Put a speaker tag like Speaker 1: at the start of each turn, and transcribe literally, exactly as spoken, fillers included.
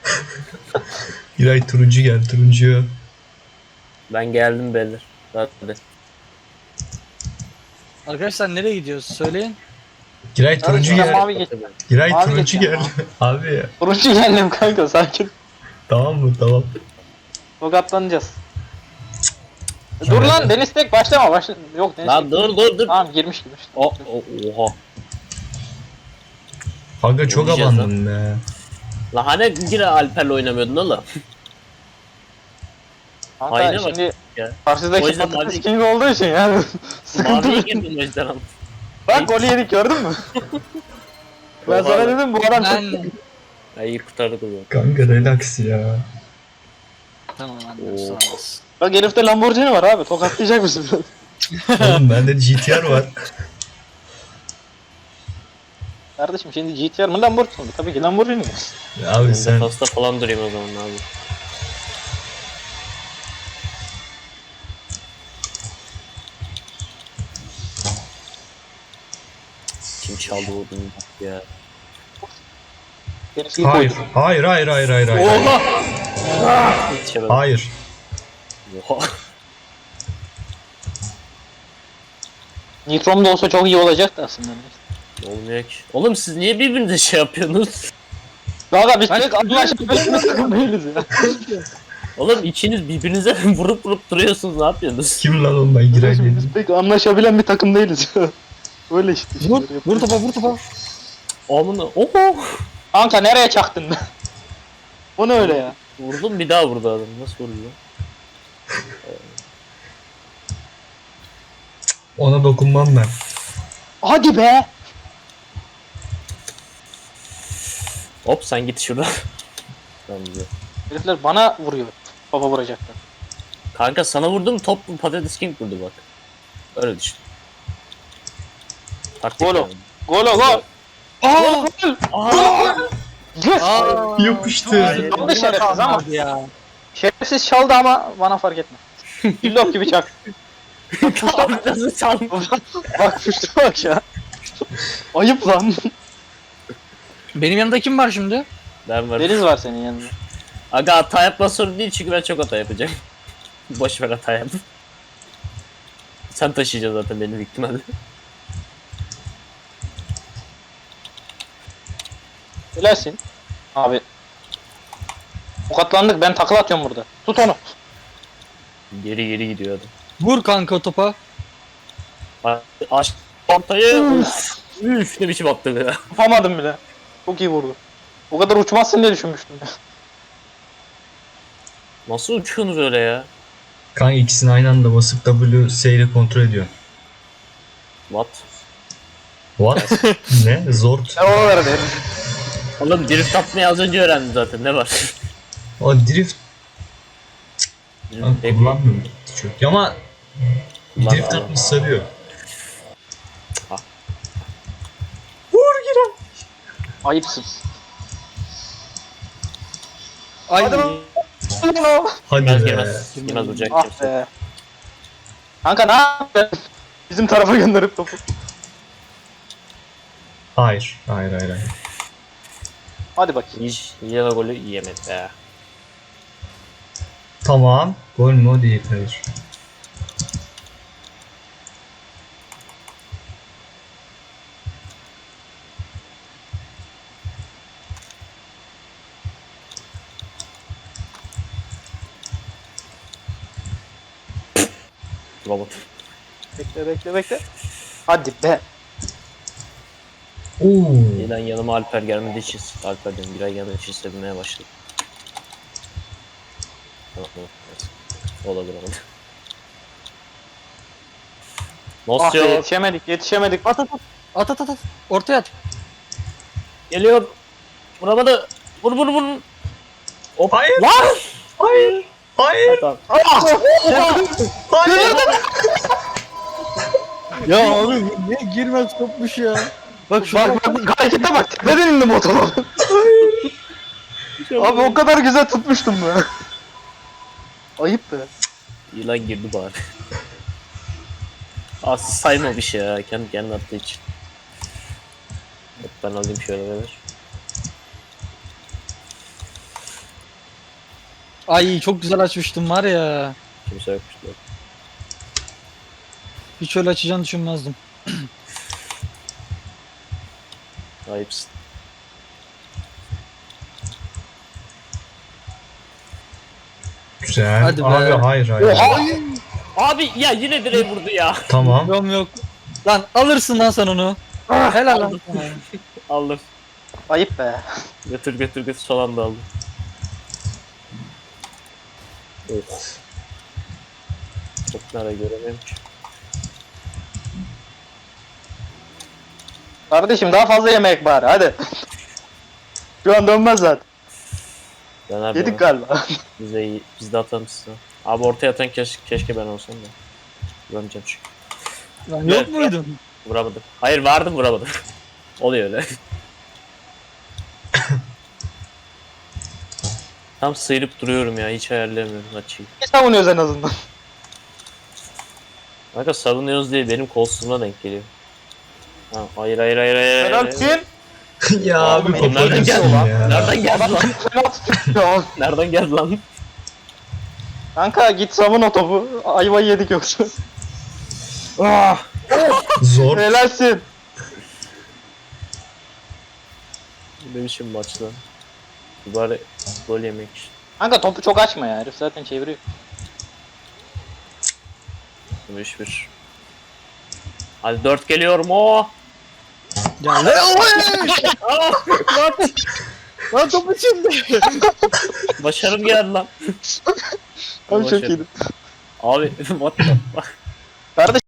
Speaker 1: Giray turuncu gel turuncu.
Speaker 2: Ben geldim beyler. Hadi.
Speaker 3: Arkadaşlar nereye gidiyoruz? Söyleyin.
Speaker 1: Giray turuncu
Speaker 4: ben
Speaker 1: gel.
Speaker 4: mavi geç.
Speaker 1: Giray
Speaker 4: mavi
Speaker 1: turuncu
Speaker 4: geçeceğim
Speaker 1: gel. Abi ya.
Speaker 4: Turuncu geldim kanka sakin.
Speaker 1: Tamam mı tamam.
Speaker 4: Tokatlanacağız. Dur lan Deniz tek başlama başla. Yok Deniz
Speaker 2: Lan
Speaker 4: tek.
Speaker 2: dur dur dur.
Speaker 4: Tamam girmiş girmiş.
Speaker 2: O, o, oha.
Speaker 1: Kanka çok
Speaker 2: Oynayacağız
Speaker 1: abandın be.
Speaker 2: La hani yine Alper'le oynamıyordun oğlum.
Speaker 4: Kanka
Speaker 2: Hayır, bak
Speaker 4: şimdi
Speaker 2: ya. O
Speaker 4: karşıdaki
Speaker 2: yüzden
Speaker 4: patates
Speaker 2: mavi-
Speaker 4: king olduğu için yani sıkıntı.
Speaker 2: Maviye girdim o yüzden ama.
Speaker 4: Bak golü yedik gördün mü? Ben
Speaker 2: Oha
Speaker 4: sana
Speaker 2: lan.
Speaker 4: dedim bu adam çok...
Speaker 3: Ben...
Speaker 2: Ya iyi kurtardık o zaman.
Speaker 1: Kanka relax ya.
Speaker 3: Tamam
Speaker 2: Oo.
Speaker 3: anladım. Sağ olasın.
Speaker 4: Bak herifte Lamborghini var abi tokatlayacak mısın biraz?
Speaker 1: Oğlum bende G T R var.
Speaker 4: Kardeşim şimdi G T R mı Lamborghini mi? Tabii ki Lamborghini mi?
Speaker 1: Abi
Speaker 2: Ben
Speaker 1: sen
Speaker 2: defasta falan durayım o zaman abi. Kim çaldı o bunu ya?
Speaker 4: Herif iyi
Speaker 1: hayır.
Speaker 4: koydu.
Speaker 1: Hayır hayır hayır hayır hayır.
Speaker 4: Oha!
Speaker 2: Yetişemedim.
Speaker 1: Hayır.
Speaker 2: Oha.
Speaker 4: Nitrom da olsa çok iyi olacaktı aslında.
Speaker 2: Olmuyor ki. Oğlum siz niye birbirinize şey yapıyorsunuz?
Speaker 4: Valla biz tek anlaşabilmiş takım değiliz ya.
Speaker 2: Oğlum ikiniz birbirinize vurup vurup duruyorsunuz, ne yapıyorsunuz?
Speaker 1: Kim lan oğlum ben Giray
Speaker 4: Kardeşim
Speaker 1: değilim.
Speaker 4: biz pek anlaşabilen bir takım değiliz ya. Öyle işte.
Speaker 3: Vur,
Speaker 4: işleri
Speaker 3: vur
Speaker 4: yapıyoruz.
Speaker 3: topa, vur topa.
Speaker 2: Amına oho.
Speaker 4: Kanka nereye çaktın be? O ne öyle ya?
Speaker 2: Vurdum bir daha vurdu adam. Nasıl vuruyor?
Speaker 1: Ona dokunmam ben.
Speaker 4: Hadi be!
Speaker 2: Hop sen git şuradan. Tamam güzel.
Speaker 4: Herifler bana vuruyor. Baba vuracaklar.
Speaker 2: Kanka sana vurdum, top patates king vurdu bak. Öyle düşün. Taktik
Speaker 4: Gol o.
Speaker 2: yani.
Speaker 4: Gol o gol! Aa! Gol!
Speaker 2: Aa!
Speaker 4: Yes!
Speaker 3: Aa,
Speaker 1: Yapıştı.
Speaker 4: Çaldı şerefsiz ama.
Speaker 3: Hadi ya.
Speaker 4: Şerefsiz çaldı ama bana fark etme. Billok gibi çak.
Speaker 2: Nasıl çaldı?
Speaker 4: Bak püştü bak ya. Ayıp lan.
Speaker 3: Benim yanımda kim var şimdi?
Speaker 2: Ben varım.
Speaker 4: Deniz var senin yanında.
Speaker 2: Aga hata yapma sorun değil çünkü ben çok hata yapacağım. Boş ver hata yap. Sen taşıyacaksın zaten benim ihtimalle.
Speaker 4: Helalsin. Abi. Tokatlandık ben takla atıyorum burada. Tut onu.
Speaker 2: Geri geri gidiyor adam.
Speaker 3: Vur kanka topa.
Speaker 2: Bak, Aç ortayı. Üf. Üf ne biçim attı be.
Speaker 4: Yapamadım bile. Çok iyi vurdu. O kadar uçmazsın diye düşünmüştüm.
Speaker 2: Nasıl uçuyorsunuz öyle ya?
Speaker 1: Kanka ikisini aynı anda basıp W S ile kontrol ediyor.
Speaker 2: What?
Speaker 1: What? Ne? Zor.
Speaker 4: Ben ona verdim.
Speaker 2: Oğlum drift atmayı az önce öğrendim zaten, ne var?
Speaker 1: O drift ben
Speaker 2: Drift
Speaker 1: kullanmıyorum çok. Ama
Speaker 2: Kullan
Speaker 1: drift
Speaker 2: abi.
Speaker 1: atmış sarıyor.
Speaker 2: Ah.
Speaker 1: Vur Giray.
Speaker 4: Ayıpsın.
Speaker 3: Ay.
Speaker 4: Hadi lan.
Speaker 1: Hadi
Speaker 2: Girmez
Speaker 1: be.
Speaker 2: girmez. Girmez olacak
Speaker 4: Ah
Speaker 2: kimse.
Speaker 4: be. Kanka ne yapıyorsun? Bizim tarafa gönderip topu.
Speaker 1: Hayır. Hayır hayır hayır.
Speaker 4: Hadi bakayım.
Speaker 2: Hiç yine golü yiyemedi be.
Speaker 1: Tamam. Gol mü o değil. Hayır.
Speaker 2: Robot.
Speaker 4: Bekle bekle bekle. Hadi be.
Speaker 1: Oo.
Speaker 2: Yeniden yanıma Alper gelmediği için, Alper diyorum, bir ay gelmediği için sevinmeye başladım. Tamam tamam. Evet. Olabilir olabilir.
Speaker 4: Ah
Speaker 2: Nasıl
Speaker 4: be
Speaker 2: yok?
Speaker 4: yetişemedik yetişemedik.
Speaker 3: At at at. At at at at. Ortaya at.
Speaker 2: Geliyor. Vuramadı. Vur vur vur. Hop.
Speaker 1: Hayır.
Speaker 2: Lan!
Speaker 1: Hayır. Hayır.
Speaker 2: Tamam.
Speaker 1: Hayır.
Speaker 3: Ya abi niye girmez topmuş ya. Bak şu
Speaker 4: Bak bak harekete bak. Neden indim motora? Abi o kadar güzel tutmuştum be. Ayıp be.
Speaker 2: Yılan girdi bari. Aslı sayma bir şey ya. Kendi kendine attığı için. Hop, ben alayım şöyle ver.
Speaker 3: Ay çok güzel açmıştım var ya.
Speaker 2: Kimse yokmuş. Yok.
Speaker 3: Hiç öyle açacağını düşünmezdim.
Speaker 2: Ayıpsın.
Speaker 1: Güzel.
Speaker 3: Hadi be.
Speaker 1: Abi hayır hayır.
Speaker 2: Oha! Abi ya yine direğe vurdu ya.
Speaker 1: Tamam.
Speaker 3: Yok yok. Lan alırsın lan sen onu. Helal lan sana.
Speaker 2: Aldım.
Speaker 4: Ayıp be.
Speaker 2: Götür götür götür son anda aldım. Oh. Çok nereye göremiyorum ki.
Speaker 4: Kardeşim daha fazla yemek bari hadi. Şu an dönmez zaten.
Speaker 2: Döner
Speaker 4: Yedik
Speaker 2: döner.
Speaker 4: galiba.
Speaker 2: Biz de iyi. Biz de atalım size. Abi ortaya atan keş, keşke ben olsam da. Vuramayacağım çünkü.
Speaker 3: Lan yok muydun?
Speaker 2: Vuramadım. Hayır vardım vuramadım. Oluyor öyle. Tam sıyırıp duruyorum ya. Hiç ayarlayamıyorum açıyı.
Speaker 4: Ne savunuyoruz en azından?
Speaker 2: Kanka savunuyoruz diye benim kolsuzluğuma denk geliyor. Ha, hayır hayır hayır hayır. hayır.
Speaker 4: Helalsin.
Speaker 1: Ya abi
Speaker 4: Oğlum,
Speaker 2: Nereden
Speaker 1: koparıyorsun
Speaker 2: geldi lan?
Speaker 1: ya.
Speaker 2: Nereden geldi lan?
Speaker 4: Fena tutuyor.
Speaker 2: Nereden geldi lan?
Speaker 4: Kanka git savun o topu. Ayvayı yedik yoksa.
Speaker 2: Ah!
Speaker 1: Zor.
Speaker 4: Helalsin.
Speaker 2: Ne biçim maç lan? Bari gol yemek için.
Speaker 4: Kanka topu çok açma ya. Herif zaten çeviriyor.
Speaker 2: üç bir. Hadi dört geliyorum o.
Speaker 3: Ya ne oy!
Speaker 2: Ah! Lan!
Speaker 3: Lan topu şimdi.
Speaker 2: Başarım geldi lan.
Speaker 4: Abi çok
Speaker 2: Başarı.
Speaker 4: iyiydi.
Speaker 2: Abi what the fuck?
Speaker 4: Kardeş